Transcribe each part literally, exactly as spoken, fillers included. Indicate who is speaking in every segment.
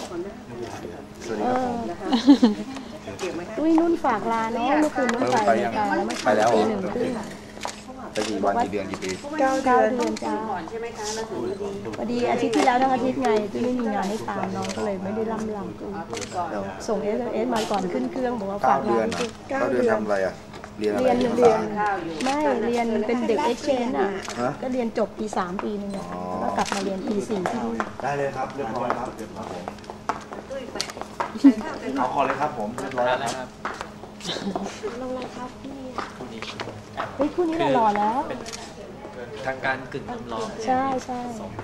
Speaker 1: สวัสดีครับผม
Speaker 2: ตุ้ยนุ่นฝากลาเนาะเมื่อคืนนุ่นไปรายการแล้วไม่
Speaker 1: ไปแล้ว
Speaker 2: ปีหนึ่งครึ่ง
Speaker 1: ไปกี่วันกี่เดือนกี่ปี
Speaker 2: เก้าเดือนจ้าพอดีอาทิตย์ที่แล้วทั้งอาทิตย์ไงตุ้ยไม่มีงานให้ตามน้องก็เลยไม่ได้ล่ำลำตุ้ยส่งเอสเอสมาก่อนขึ้นเครื่องบอกว่าฝา
Speaker 1: เก้าก เดือน
Speaker 2: ลา
Speaker 1: เก้าเดือนทำอะไรอ่ะเรียนอะไร
Speaker 2: เรียน
Speaker 1: เรียน
Speaker 2: เรีย
Speaker 1: ภาน ษา
Speaker 2: ไม่เรียนเป็นเด็กเอ็กเชนอ่ะ
Speaker 1: ฮะ
Speaker 2: ก็เรียนจบปีสามปีนึงอ่ะแล้วกลับมาเรียนปีสี่ที่นู่น
Speaker 1: ได้เลยครับเรียบร้อยครับเอาคอเลยครับผมเรียบร้อยแล้วครับ
Speaker 2: ลงรองเท้าพี่เฮ้ยคู่นี้หล่อแล้ว
Speaker 3: ทางการกึ่งจำลอง
Speaker 2: ใช่ใช่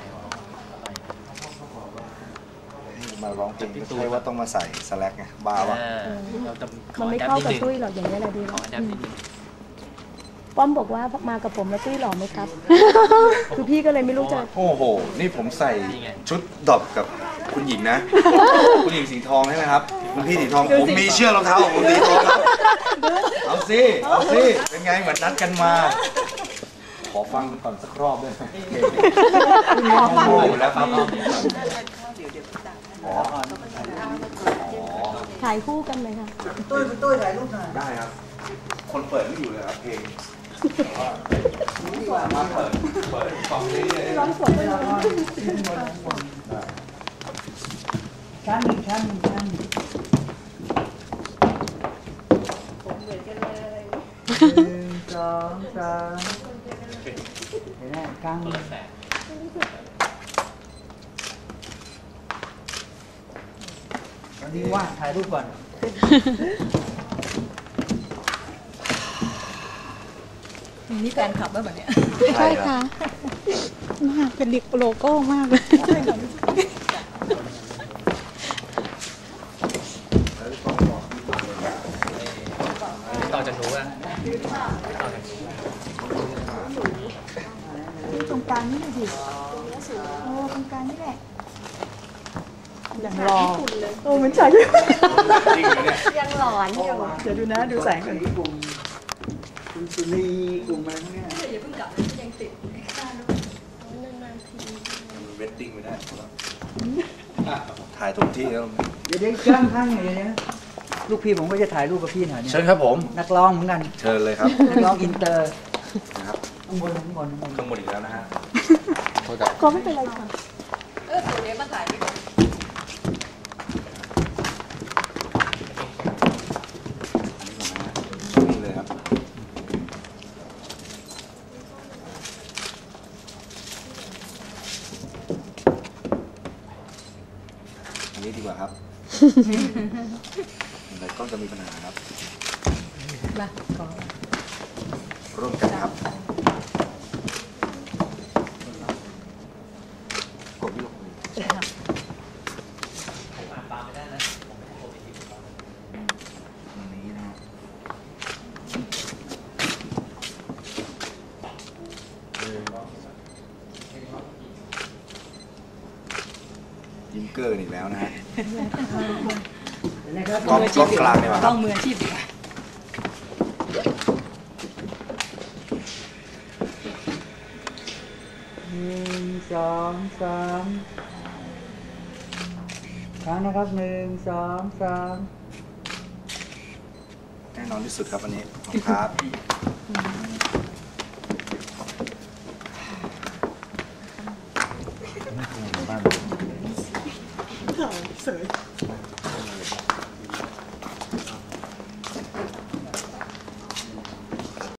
Speaker 1: มาร้องเพลงไม่ใช่ว่าต้องมาใส่สแลกไงบ้าวะ
Speaker 3: เราจะข
Speaker 2: มั
Speaker 3: อน
Speaker 2: ไม่
Speaker 3: แดบ
Speaker 2: เข้า
Speaker 3: นิด
Speaker 2: กับ
Speaker 3: นึง
Speaker 2: ตุ้ยหรอกอย่างนี้ยแหละดี
Speaker 3: ขอแดบนิดนึง
Speaker 2: ป้อมบอกว่ามากับผมแล้วตุ้ยหล่อไหมครับ คือพี่ก็เลยไม่รู้จะ
Speaker 1: โอ้โหนี่ผมใส่ชุดดอบกับคุณหญิงนะ คุณหญิงสีทองใช่ไหมครับคุณพี่สีทองผมมีเชือกรองเท้าของคุณสีทองครับเอาสิเอาสิเป็นไงเหมือนนัดกันมา ขอฟังก่อนสักรอบด้วยไหมขอฟังอยู่แล้วครับอ๋อ
Speaker 2: ถ่ายคู่กันเลยค่ะ
Speaker 4: ตุ้ยตุ้ยถ่ายรูปหน่อย
Speaker 1: ได้ครับ คนเปิดไม่อยู่เลยครับเพลงสามารถเปิดเปิดฟังได้เลย
Speaker 2: ร้องสดเลย
Speaker 4: ชั้นหนึ่งชั้นหนึ่งชั้นหนึ่งหนึ่งสองสามเห็นไหมกลางตอนนี้ว่างถ่ายรูปก่อน
Speaker 5: นี่แฟนคลับป่ะแบบเนี้ย
Speaker 1: ใช่ค่ะ
Speaker 5: มากเป็นลิกโลโก้มากเลย
Speaker 3: ต่อจากหนูอะ
Speaker 5: ตรงกลางนี่เลยดิโอ้ตรงกลางนี่แหละ
Speaker 2: ยังรอ
Speaker 5: โอ้เหมือนฉาก
Speaker 1: จริงเหรอเนี่ย
Speaker 2: ยังหลอนอยู่
Speaker 5: เดี๋ยวดูนะดูแสงก่อน
Speaker 4: กลุ่มคุณสุนีกลุ่มอะไรพวกเนี้ย
Speaker 1: เวดดิ้งไม่ได้ถ่ายถูกที่แล้ว
Speaker 4: เดี๋ยวเดี๋ยวข้างข้างอย่างเงี้ยลูกพี่ผมก็จะถ่ายรูปกับพี่หน่อยเนี่ย
Speaker 1: เชิญครับผม
Speaker 4: นักร้องเหมือนกัน
Speaker 1: เชิญเลยครับ
Speaker 4: นักร้องอินเตอร์
Speaker 1: นะครับ
Speaker 4: ข้างบนข้างบนข้างบน
Speaker 1: ข้างบนอีกแล้วนะฮะโทษครับ
Speaker 2: ก็ไม่เป็นไรค่ะ
Speaker 5: เออตัวนี้มาถ่ายดิ
Speaker 1: นี่เลยครับอันนี้ดีกว่าครับแต่กล้องจะมีปัญหาครับ
Speaker 5: มาขอ
Speaker 1: ร่วมกันครับกดลูกมืออันนี้นะฮะยิ้มเกอร์อีกแล้วนะฮะ
Speaker 4: นะครับ
Speaker 1: กล้องกล้องกลางเนี่ย
Speaker 5: ต้องมืออาชีพดีกว่า
Speaker 4: หนึ่งสองสามครั้งนะครับหนึ่งสองสาม
Speaker 1: แน่นอนที่สุดครับวันนี้ขอบคุณครับ บ้าน